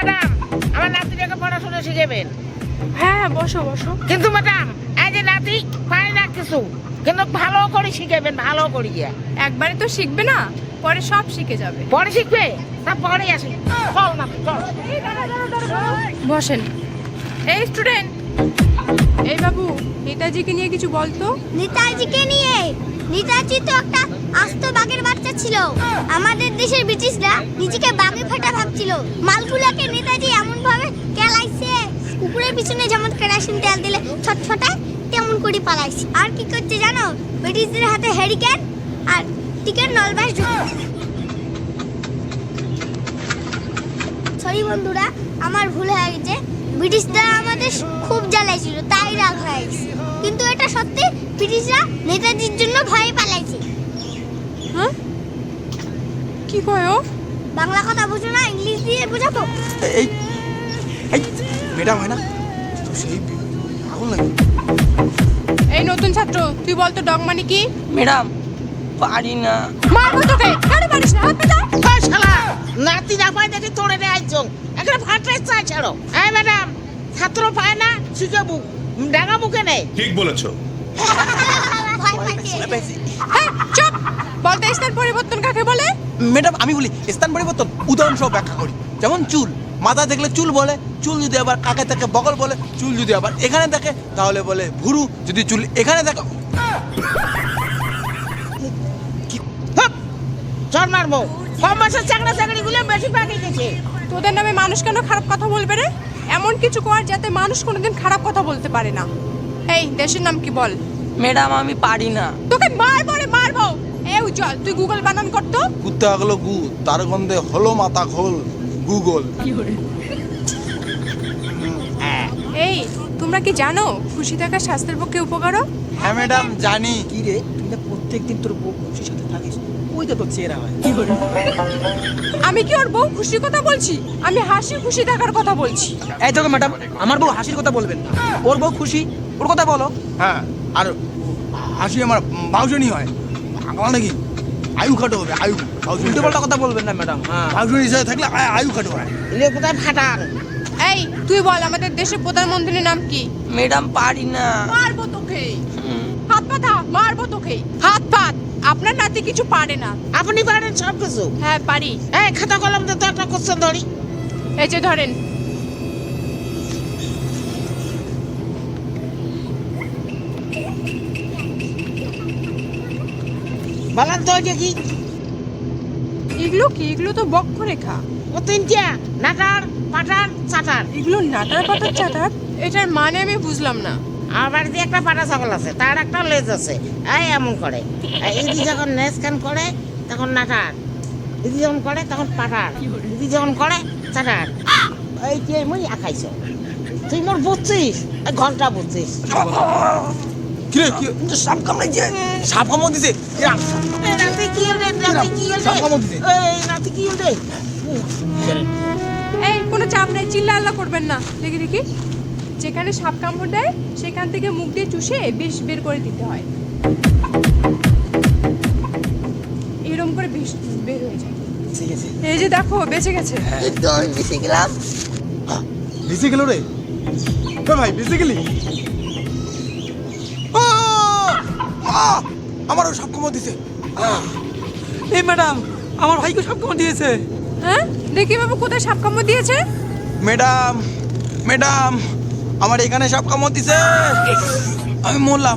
Madam, আমার নাতিটাকে পড়াশোনা শিখাবেন। হ্যাঁ বসো বসো। কিন্তু ম্যাডাম, এই যে নাতি পায় না কিছু, কিন্তু ভালো করে শিখাবেন, ভালো করিয়া। একবারে তো শিখবে না, পরে সব শিখে যাবে। পরে শিখবে, তা পরে আসি। চল না, চল। বসেন। এই স্টুডেন্ট, এই বাবু, নেতাজিকে নিয়ে কিছু বলতো। নেতাজিকে নিয়ে? নেতাজি তো একটা আস্ত বাঘের বাচ্চা ছিল। আমাদের দেশের ব্রিটিশরা নিজেকে বাঘে ফাটা ভাবছিল। মালগুলাকে নেতাজি এমন ভাবে কেলাইছে, কুকুরের পিছনে যেমন কেরোসিন তেল দিলে ছটফটায় তেমন করে পালাইছে। আর কি করছে জানো? ব্রিটিশদের হাতে হ্যারিকেন আর টিকের নলবাস। সরি বন্ধুরা, আমার ভুল হয়ে গেছে। ব্রিটিশরা আমাদের খুব জ্বালাইছিল, তাই রাগ হয়ে গেছে। কিন্তু এটা সত্যি, ব্রিটিশরা নেতাজির জন্য ভয়ে পালাইছে। হ্যাঁ, কি কয় ও? বাংলা কথা বুঝো না, ইংলিশ দিয়ে বোঝাবো? এই এই ম্যাডাম হয় না তো সেই আগুন লাগে। এই নতুন ছাত্র, তুই বলতো ডগ মানে কি? ম্যাডাম পারি না। মারবো তোকে। কেন পারিস না? হাত পেটা। ওই শালা, নাতি না পায় দেখি তোড়ে নিয়ে আইছো। একটা ফাটাই চা ছাড়ো। এই ম্যাডাম, ছাত্র পায় না, শিখাবো, ডাঙা মুখে নেই। ঠিক বলেছো। ভয় পাইছে। হ্যাঁ, চুপ। বলতে স্থান পরিবর্তন কাকে বলে? ম্যাডাম আমি বলি স্থান পরিবর্তন উদাহরণ সহ ব্যাখ্যা করি। যেমন চুল, মাথা দেখলে চুল বলে, চুল যদি আবার কাকে থাকে বগল বলে, চুল যদি আবার এখানে থাকে তাহলে বলে ভুরু, যদি চুল এখানে থাকে। চল মারবো। কম বয়সের চাকরা চাকরি গুলো বেশি পাকি গেছে। তোদের নামে মানুষ কেন খারাপ কথা বলবে রে? এমন কিছু কর যাতে মানুষ কোনোদিন খারাপ কথা বলতে পারে না। এই দেশের নাম কি বল? ম্যাডাম আমি পারি না। তোকে মারবো রে, মারবো। এই উজ্জ্বল, তুই গুগল বানান করতো। কুত্তে আগলো গু, তার গন্ধে হলো মাথা খোল গুগল। এই, তোমরা কি জানো খুশি থাকা স্বাস্থ্যের পক্ষে উপকারক? হ্যাঁ ম্যাডাম জানি। কি রে, তুই না প্রত্যেকদিন তোর বউ খুশির সাথে থাকিস, ওইটা তোর চেহারা হয়। আমি কি ওর বউ খুশির কথা বলছি? আমি হাসি খুশি থাকার কথা বলছি। এই দেখো ম্যাডাম, আমার বউ হাসির কথা বলবেন না। ওর বউ খুশি, ওর কথা বলো। হ্যাঁ, আর হাসি আমার বাউজনি হয়। আমার নাকি আয়ু খাটো হবে, আয়ু। উল্টো পাল্টা কথা বলবেন না ম্যাডাম। হ্যাঁ, বাউজনি হিসাবে থাকলে আয়ু খাটো হয়। এলে কোথায় ফাটান? এই, তুই বল আমাদের দেশের প্রধানমন্ত্রীর নাম কি? ম্যাডাম পারি না। মারবো তোকে। হাত পাতা, মারবো তোকে। হাত পাত। আপনার নাতি কিছু পারে না। আপনি পারেন সব কিছু। হ্যাঁ পারি। এই খাতা কলম দিয়ে তো একটা কোশ্চেন ধরি। এই যে ধরেন। বলেন তো ওইটা কি? এগুলো কি? এগুলো তো বক্ষরেখা। ও তিনটা, নাটার, পাটার, চাটার। এগুলো নাটার পাতার চাটার? এটার মানে আমি বুঝলাম না। আমার বাড়িতে একটা পাটা ছাগল আছে, তার একটা লেজ আছে। এই এমন করে, ইদি যখন নেস্কান করে তখন নাটার, ইদি যখন করে তখন পাটার, ইদি যখন করে চাটার। এই যে মুই আঁকাইছ, তুই মোর বুঝছিস, এই ঘন্টা বুঝছিস। কি রে, কি সাপ কামড়াইছে। সাপ কামড় দিছে? এই রাতে কি হল রে? রাতে কি হল সাপ কামড় রে? দিছে? এই রাতে কি হল রে? এই, কোনো চাপ নাই, চিল্লা আল্লাহ করবেন না। দেখি দেখি। যেখানে সাপ কামড় দেয় সেখান থেকে মুখ দিয়ে চুষে বিষ বের করে দিতে হয়। এরকম করে বিষ বের হয়ে যায়। ঠিক আছে। এই যে দেখো, বেঁচে গেছে। তো আমি বেঁচে গেলাম। বেঁচে গেল রে? ভাই বেঁচে গেলি? আমারও সাপ কামড় দিছে। এই ম্যাডাম, আমার ভাইকে সাপ কামড় দিয়েছে। হ্যাঁ, দেখি বাবু কোথায় সাপ কামড় দিয়েছে। ম্যাডাম, ম্যাডাম, আমার এখানে সাপ কামড় দিছে, আমি মরলাম।